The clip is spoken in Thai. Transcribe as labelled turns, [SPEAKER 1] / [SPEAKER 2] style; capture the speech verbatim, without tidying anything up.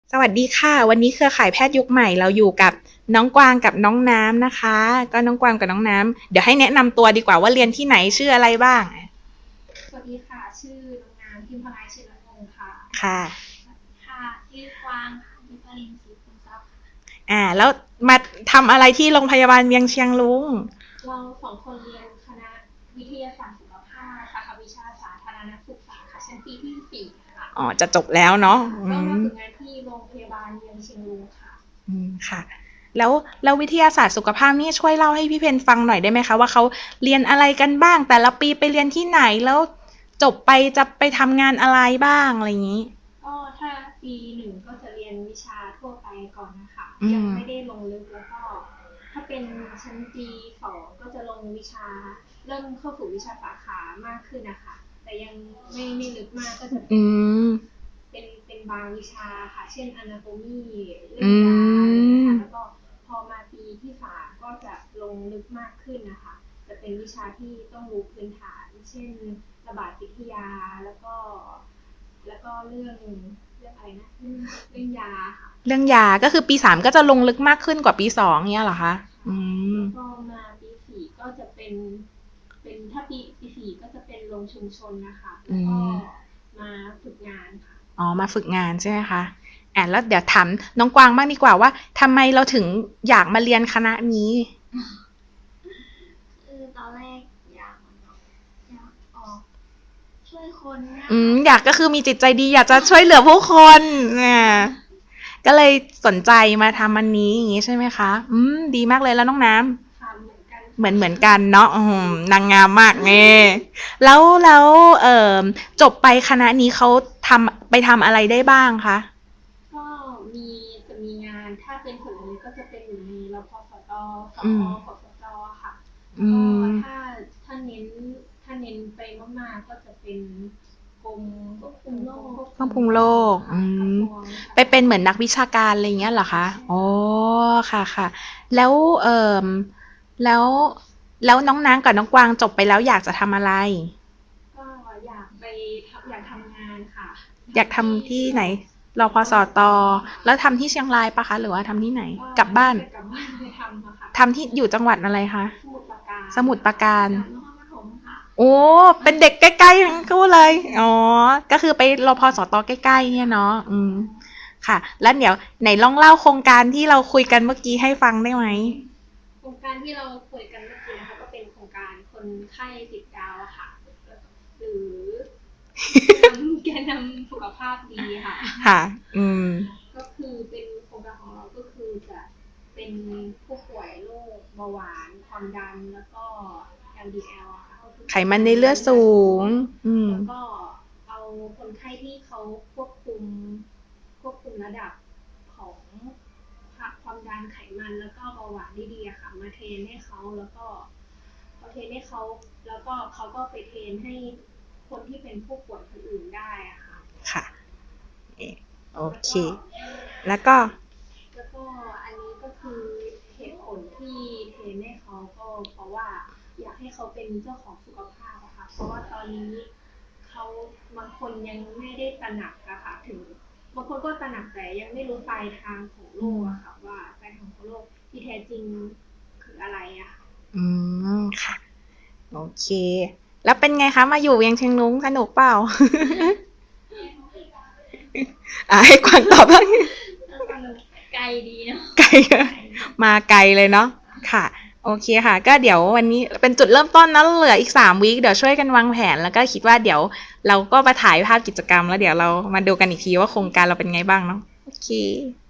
[SPEAKER 1] สวัสดีค่ะวันนี้เครือข่ายแพทย์ยุคใหม่เราอยู่กับน้องกวางกับน้องน้ำนะคะก็น้องกวางกับน้องน้ำเดี๋ยวให้แนะนำตัวดีกว่าว่าเรียนที่ไหนชื่ออะไรบ้าง
[SPEAKER 2] สวัสดีค่ะชื่อน้องน้ำพิมพลายชื่อละวงค่ะ
[SPEAKER 1] ค่ะ
[SPEAKER 2] ค่ะชื่อกวางค่ะดิปรินทร์ศรีคุณทรัพย์ค่ะ
[SPEAKER 1] อ่าแล้วมาทำอะไรที่โรงพยาบาลเวียงเชียงรุ้ง
[SPEAKER 2] เราสองคนเรียนคณะวิทยาศาสตร์สุขภาพสาขาวิชาสาธารณสุขศาสตร์ค่ะชั้นปีที่สี่ค่ะ
[SPEAKER 1] อ๋อจะจบแล้วเนาะอื
[SPEAKER 2] ก็มา
[SPEAKER 1] ม
[SPEAKER 2] ฝึกงานที่โรงพยาบาลเวียงเชียงรุ้งค่ะ
[SPEAKER 1] อืมค่ะแล้วแล้ววิทยาศาสตร์สุขภาพนี่ช่วยเล่าให้พี่เพนฟังหน่อยได้ไหมคะว่าเขาเรียนอะไรกันบ้างแต่ละปีไปเรียนที่ไหนแล้วจบไปจะไปทำงานอะไรบ้างอะไรอย่างนี้
[SPEAKER 2] ก็ถ้าปีหนึ่งก็จะเรียนวิชาทั่วไปก่อนนะคะ
[SPEAKER 1] อื
[SPEAKER 2] ยัง
[SPEAKER 1] ม
[SPEAKER 2] ไม่ได้ลงลึกแล้วก็ถ้าเป็นชั้นปีสองก็จะลงวิชาเริ่มเข้าสู่วิชาสาขามากขึ้นนะคะแต่ยังไม่ไม่ลึกมากก็จะ
[SPEAKER 1] อื
[SPEAKER 2] เป็น
[SPEAKER 1] ม
[SPEAKER 2] เป็นเป็นบางวิชาค่ะเช่น Anatomy เรื่
[SPEAKER 1] อื
[SPEAKER 2] องยาอะไรอย่างเงี้ย
[SPEAKER 1] ม
[SPEAKER 2] ค่ะแล้วก็พอมาปีที่สามก็จะลงลึกมากขึ้นนะคะจะเป็นวิชาที่ต้องรู้พื้นฐานเช่นระบาดวิทยาแล้วก็แล้วก็เรื่องเรื่องอะไรนะเรื่องเรื่องยาค่ะ
[SPEAKER 1] เรื่องยาก็คือปีสามก็จะลงลึกมากขึ้นกว่าปีสองเนี้ยเหรอคะอืม
[SPEAKER 2] แล้วก็มาปีสี่ก็จะเป็นเป็นถ้าปีปีสี่ก็จะเป็นลงชุมชนนะคะแล้
[SPEAKER 1] อื
[SPEAKER 2] วก็
[SPEAKER 1] ม
[SPEAKER 2] มาฝึกงานค่ะ
[SPEAKER 1] อ๋อมาฝึกงานใช่ไหมคะอ่ะแล้วเดี๋ยวถามน้องกวางบ้างดีกว่าว่าทำไมเราถึงอยากมาเรียนคณะนี้
[SPEAKER 2] คือตอนแรกอยากอยากออกช่วยคนเนี่ย
[SPEAKER 1] อืม
[SPEAKER 2] ค่ะ
[SPEAKER 1] อยากก็คือมีจิตใจดีอยากจะช่วยเหลือผู้คนเนี่ยก็เลยสนใจมาทำอันนี้อย่างนี้ใช่ไหมคะอืมดีมากเลยแล้วน้องน้ำ
[SPEAKER 2] ค่ะเหมือนกัน
[SPEAKER 1] เหมื
[SPEAKER 2] ค่ะ
[SPEAKER 1] อนเหมือนกันเนาะอืมนางงามมากเน่แล้วแล้วเอ่อจบไปคณะนี้เขาทำไปทำอะไรได้บ้างคะ
[SPEAKER 2] ก็มีจะมีงานถ้าเป็นถึงนี้ก็จะเป็นอยู่ในรพสตส
[SPEAKER 1] อืม
[SPEAKER 2] อพสจค่ะแล้ว
[SPEAKER 1] อื
[SPEAKER 2] ก็
[SPEAKER 1] ม
[SPEAKER 2] ถ้าถ้าเน้นถ้าเน้นไปมากๆก็จะเป็นกรมควบคุมโรคควบ
[SPEAKER 1] คว
[SPEAKER 2] คุม
[SPEAKER 1] บคุมโรค
[SPEAKER 2] ค่ะ
[SPEAKER 1] อืม
[SPEAKER 2] กระทรวงสา
[SPEAKER 1] ไปเป็นเหมือน
[SPEAKER 2] ธารณสุข
[SPEAKER 1] นักวิชาการอะไรเงี้ยเหรอคะ
[SPEAKER 2] ใช่
[SPEAKER 1] อ๋อ
[SPEAKER 2] ค่ะ
[SPEAKER 1] ค่ะค่ะแล้วเอ่อแล้วแล้วน้องนางกับน้องกวางจบไปแล้วอยากจะทำอะไร
[SPEAKER 2] ก็อยากไปอยากทำงานค่ะ
[SPEAKER 1] อยาก
[SPEAKER 2] ทำที่
[SPEAKER 1] ทำที่
[SPEAKER 2] ร
[SPEAKER 1] ไหนรพส
[SPEAKER 2] รพสต
[SPEAKER 1] ต
[SPEAKER 2] ค่ะ
[SPEAKER 1] แล้วทำที่เชียงรายปะคะหรือว่าทำที่ไหน
[SPEAKER 2] ก็
[SPEAKER 1] กลับบ้าน
[SPEAKER 2] น่าจะกลับบ้านไปทำอะค่ะ
[SPEAKER 1] ทำที่อยู่จังหวัดอะไรคะ
[SPEAKER 2] สมุทรปราการ
[SPEAKER 1] สมุทรปราการ
[SPEAKER 2] จากนครปฐมค่ะ
[SPEAKER 1] โอ้เป็นเด็กใกล้ๆทั้งคู่เลย อ๋อ ก็คือไปรพสตใกล้ๆเนี่ยเนาะอืมค่ะ แล้วเดี๋ยวไหนลองเล่าโครงการที่เราคุยกันเมื่อกี้ให้ฟังได้ไหม
[SPEAKER 2] โครงการที่เราคุยกันเมื่อกี้นะคะก็เป็นโครงการคนไข้ติดดาวอะค่ะหรือแกนนำแกนนำสุขภาพดีค่ะ
[SPEAKER 1] ค่ะ อืม
[SPEAKER 2] ก็คือเป็นโครงการของเราก็คือจะเป็นผู้ป่วยโรคเบาหวานความดันแล้วก็ แอล ดี แอล อะค่ะก็คือ
[SPEAKER 1] ไขมันในเลือดสูง อืม
[SPEAKER 2] แล้วก็เอาคนไข้ที่เขาควบคุมควบคุมระดับของความดันไขมันแล้วก็เบาหวานได้ดีอะค่ะมาเทรนให้เขาแล้วก็พอเทรนให้เขาแล้วก็เขาก็ไปเทรนให้คนที่เป็นผู้ป่วยคนอื่นได้อะค่ะ
[SPEAKER 1] ค่ะ โอเค
[SPEAKER 2] แล้วก็
[SPEAKER 1] แล้วก็
[SPEAKER 2] แล้วก็อันนี้ก็คือเหตุผลที่เทรนให้เขาก็เพราะว่าอยากให้เขาเป็นเจ้าของสุขภาพอะค่ะเพราะว่าตอนนี้เขาบางคนยังไม่ได้ตระหนักอะค่ะถึงบางคนก็ตระหนักแต่ยังไม่รู้ปลายทางของโรคอะค่ะว่าปลายทางของโรคที่แท้จริงคืออะไรอะค่ะ
[SPEAKER 1] อืม ค่ะ โอเค แล้วเป็นไงคะ มาอยู่เวียงเชียงรุ้งสนุกเปล่า อ่ะให้กวางตอบบ้าง
[SPEAKER 2] ไกลดีเนาะ
[SPEAKER 1] ไกลมาไกลเลยเนาะค่ะโอเคค่ะก็เดี๋ยววันนี้เป็นจุดเริ่มต้นนะเหลืออีกสามวีคเดี๋ยวช่วยกันวางแผนแล้วก็คิดว่าเดี๋ยวเราก็มาถ่ายภาพกิจกรรมแล้วเดี๋ยวเรามาดูกันอีกทีว่าโครงการเราเป็นไงบ้างเนาะโอเค